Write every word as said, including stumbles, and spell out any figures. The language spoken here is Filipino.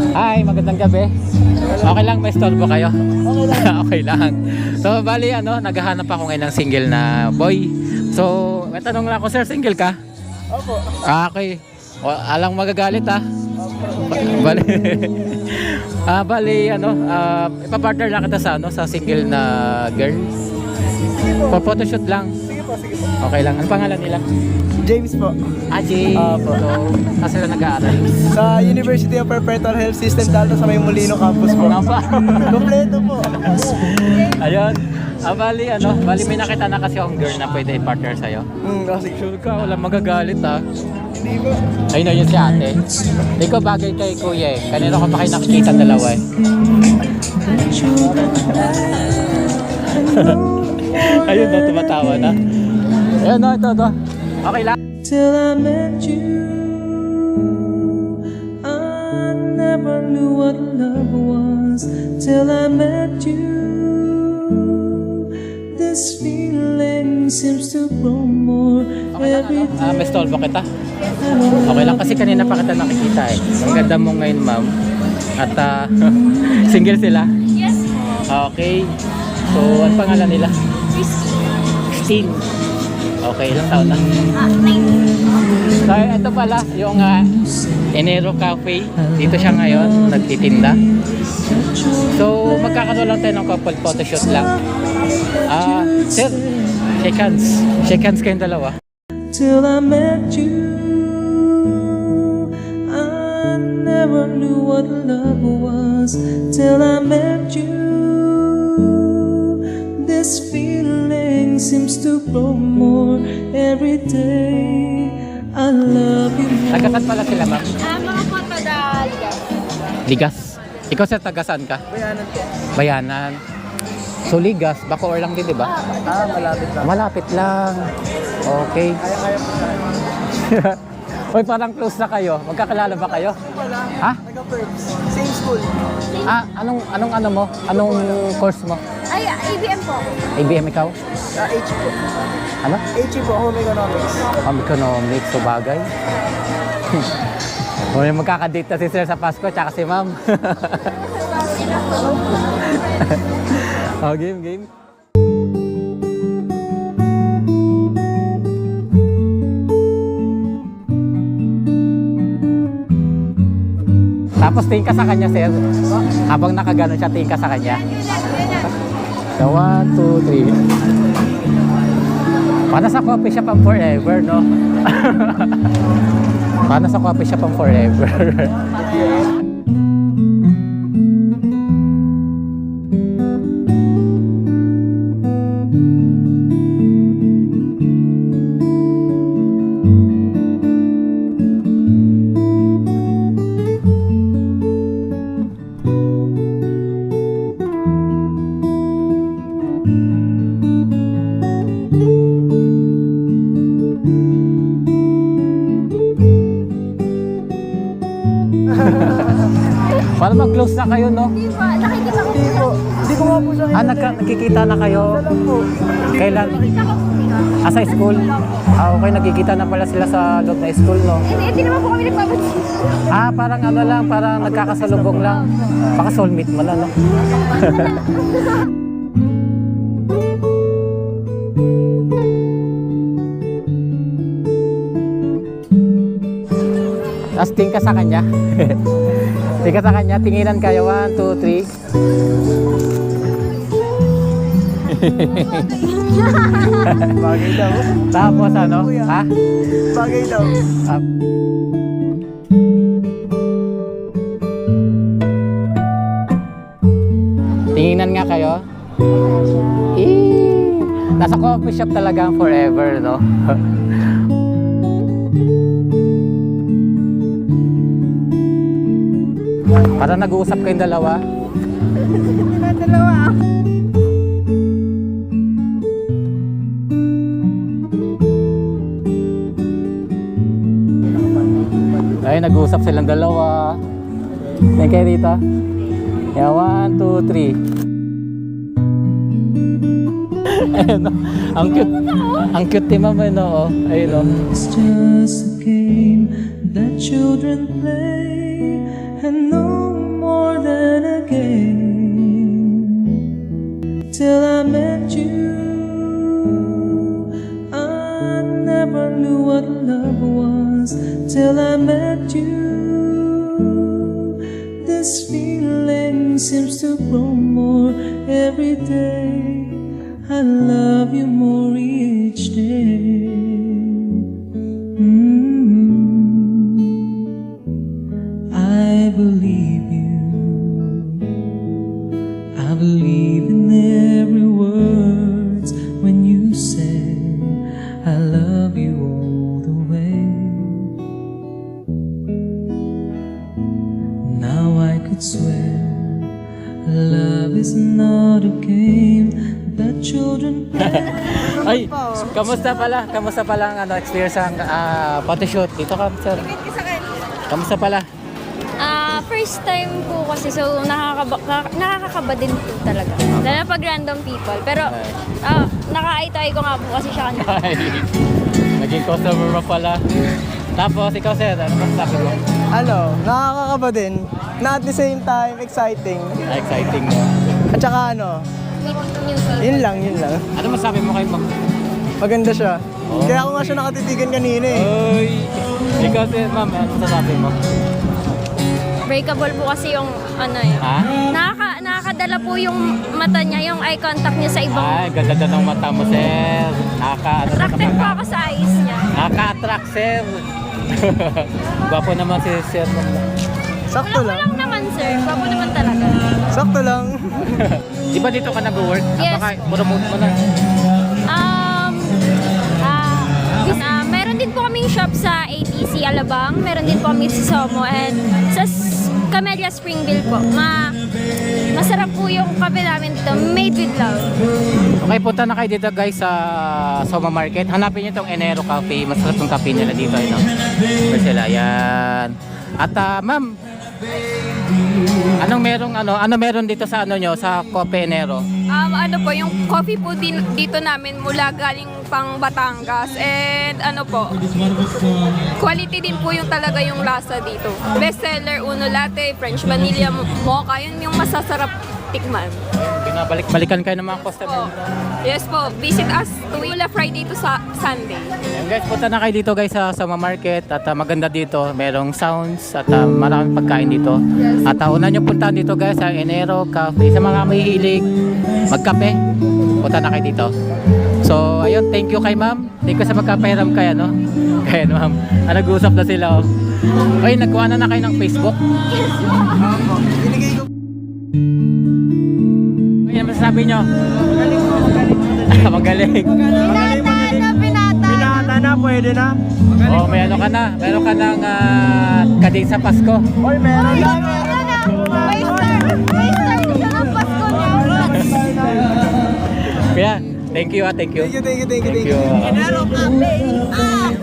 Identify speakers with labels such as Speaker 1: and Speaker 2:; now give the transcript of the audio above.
Speaker 1: Hi, magandang gabi. Okay lang, may storbo kayo?
Speaker 2: Okay lang.
Speaker 1: Okay lang. So, bali ano, naghahanap ako ngayon ng single na boy. So, may tanong lang ako, sir, single ka?
Speaker 2: Opo.
Speaker 1: Ah, okay. O, alang magagalit ah. Ba- Bali. ah, bali ano, ah, ipapartner lang kita sa ano, sa single na girl.
Speaker 2: Sige po.
Speaker 1: For photoshoot lang.
Speaker 2: Sige po, sige po.
Speaker 1: Okay lang. Ano pangalan nila?
Speaker 2: James po.
Speaker 1: Aji.
Speaker 2: Opo.
Speaker 1: So, saan sila nag-aaral?
Speaker 2: Sa University of Perpetual Health System Dalton sa may Molino campus po.
Speaker 1: Ano pa?
Speaker 2: Kompleto po.
Speaker 1: Ayun. Ah, bali ano, bali may nakita na kasi akong girl na pwede i-partner sa'yo.
Speaker 2: Hmm, kasi
Speaker 1: Sure ka, walang magagalit ah.
Speaker 2: hindi po.
Speaker 1: Ayun na yun si ate. Hindi ko bagay kay kuya eh. Kanina ko pa kayo nakikita dalawa eh. Ayun na, tumatawa na. Ayun na, ito, ito. Okay lang.
Speaker 3: Till I met you, I never knew what love was. Till I met you, this feeling seems to grow more every
Speaker 1: Ah, may
Speaker 3: day.
Speaker 1: stolbo kita. Okay lang kasi kanina pa kita nakikita eh. Ang ganda mo ngayon, ma'am. At ah, single sila.
Speaker 4: Yes.
Speaker 1: Okay. So, ano pangalan nila? Christine. Okay, ilang taon na?
Speaker 4: Ah, nine.
Speaker 1: So, ito pala, yung uh, Enero Cafe. Dito siya ngayon, nagtitinda. So, magkakaroon lang tayo ng couple photoshoot lang. Ah, sir, shake hands. Shake hands kayong dalawa.
Speaker 3: Till I met you, I never knew what love was. Till I met you, this feeling seems to grow more every day. I love you more.
Speaker 1: Tagasan pala sila, ma'am.
Speaker 4: Ah, mga po taga Ligas.
Speaker 1: Ligas. Ikaw, sir, tagasan ka?
Speaker 2: Bayanan po.
Speaker 1: Bayanan. So, Ligas, Bacoor lang din, di ba?
Speaker 2: Ah, malapit lang.
Speaker 1: Malapit lang. Okay.
Speaker 2: Kaya-kaya po sa
Speaker 1: Hoy, parang close na kayo. Magkakilala ba kayo?
Speaker 2: Wala.
Speaker 1: Ha?
Speaker 2: Taga-Perps. Same school.
Speaker 1: Ah, anong anong ano mo? Anong course mo?
Speaker 4: Ay, A B M po.
Speaker 1: A B M ikaw?
Speaker 2: Sa H po.
Speaker 1: Ano?
Speaker 2: H po, Home Economics.
Speaker 1: Home economics, so bagay. O yung magkakadate na si sir sa Pasko, tsaka si ma'am. Oh, game, game. Tapos tingin ka sa kanya, sir. Habang nakaganon siya, tingin ka sa kanya. So, one, two, three. Paano sa coffee shop ang forever, no? Paano sa coffee shop ang forever? Para mag-close na kayo, no?
Speaker 4: Di ba? Nakikita ko
Speaker 2: Hindi po. Hindi ko nga po siya.
Speaker 1: Ah, nagka- nagkikita na kayo?
Speaker 2: Alam po.
Speaker 1: Kailan?
Speaker 4: Nakikita ko po sila.
Speaker 1: Ah, sa school? Ah, okay. Nagkikita na pala sila sa loob na school, no?
Speaker 4: Hindi, hindi naman po kami nagpapansin.
Speaker 1: Ah, parang ano lang, parang nagkakasalubong lang. Baka soulmate mo na, no? Tapos tingin ka sa kanya. Tingin ka sa kanya, tinginan kayo. One, two, three.
Speaker 2: Bagay daw.
Speaker 1: Tapos ano? Ha?
Speaker 2: Bagay daw.
Speaker 1: Ah, tinginan nga kayo. Eh, nasa coffee shop talaga ang forever, no? Para nag-uusap kayong dalawa.
Speaker 4: Dalawa.
Speaker 1: Ay, nag-uusap silang dalawa. Thank you, Rita. Yeah, one, two, three. Ayun, oh. Ang cute. Ang cute ni Mama, no? Oh. Ayun, oh.
Speaker 3: It's just a game that children play, and no till I met you. I never knew what love was till I met you. This feeling seems to grow more every day. I love you more each day. Mm. I believe you. I believe in every word when you say I love you all the way. Now I could swear love is not a game that children play.
Speaker 1: Ay, kamusta pala? Kamusta pala ang ano, experience ang ah, photoshoot? Dito ka, sir. Kamusta pala?
Speaker 5: Ah, first time po kasi so nakakaba, nakaka- nakakakaba din po talaga. Lalo pag random people. Pero ah, naka-eye-to-eye ko nga po kasi siya kanina.
Speaker 1: Ay, naging customer mo pala. Tapos, ikaw sir, ano masasabi mo?
Speaker 2: Ano, nakakakaba din. Na at the same time, exciting.
Speaker 1: Ah, exciting mo.
Speaker 2: At saka ano,
Speaker 5: Meet new people.
Speaker 2: yun lang, yun lang.
Speaker 1: Ano masasabi mo kay ma'am?
Speaker 2: Maganda siya.
Speaker 1: Oh.
Speaker 2: Kaya ako nga siya nakatitigan kanina eh.
Speaker 1: Ay, ikaw sir, ma'am, ano masasabi mo?
Speaker 5: Breakable po kasi yung ano eh.
Speaker 1: Ha?
Speaker 5: Nakaka, nakakadala po yung mata niya, yung eye contact niya sa ibang.
Speaker 1: Ay, ganda daw ng mata mo, sir. Nakaka, ano,
Speaker 5: Attracted po
Speaker 1: nakaka-
Speaker 5: ako sa eyes niya.
Speaker 1: Nakaka-attract, sir. Gwapo naman si sir.
Speaker 2: Sakto
Speaker 5: Wala
Speaker 2: lang.
Speaker 5: lang naman sir, papo naman talaga.
Speaker 2: Sakto lang.
Speaker 1: Di ba dito ka nag-work?
Speaker 5: Yes.
Speaker 1: Baka promote mo na.
Speaker 5: Um, ah, this, ah, meron din po kaming shop sa A T C Alabang, meron din po kami sa Somo, and sa S- Camellia Springville po. Ma masarap po yung kape namin dito, made with love.
Speaker 1: Okay, punta na kayo dito guys sa Soma Market. Hanapin niyo itong Enero Cafe. Masarap yung cafe nila dito. Ano? Sila, yan. At ah, ma'am, anong merong ano, ano meron dito sa ano nyo, sa Coffee Enero?
Speaker 6: Um, ano po, yung coffee po din, dito namin mula galing pang Batangas. And ano po, quality din po yung talaga yung lasa dito. Best seller, Uno Latte, French Vanilla Mocha, yun yung masasarap tikman.
Speaker 1: Binabalik-balikan kayo ng mga customer.
Speaker 6: Yes po, visit us tuwing mula Friday to sa Sunday.
Speaker 1: Ayan guys, punta na kayo dito guys sa Soma Market. At ah, maganda dito, merong sounds at ah, maraming pagkain dito. At uh, una nyo punta dito guys sa Enero Cafe. Sa mga may hilig magkape, punta na kayo dito. So, ayun, thank you kay ma'am. Thank you sa magkapairam kay ano. Kaya ma'am, ah, nag-uusap na sila oh. Ay, nagkuha na na kayo ng Facebook.
Speaker 2: Binigay ko.
Speaker 1: Ay, ano masasabi nyo? Magaling. Magaling.
Speaker 4: Pinata na, pinata.
Speaker 2: Pinata na, pwede na.
Speaker 1: Oh, may ano ka na. Meron ka ng uh, kading sa Pasko.
Speaker 2: Oy, meron
Speaker 4: Ay,
Speaker 2: na.
Speaker 4: meron na. May star. May star na siya ng Pasko niya.
Speaker 1: Kaya, thank you ah, thank you.
Speaker 2: Thank you, thank you, thank you,
Speaker 1: Thank
Speaker 2: thank you.
Speaker 1: you.
Speaker 4: Pero kape. Ah!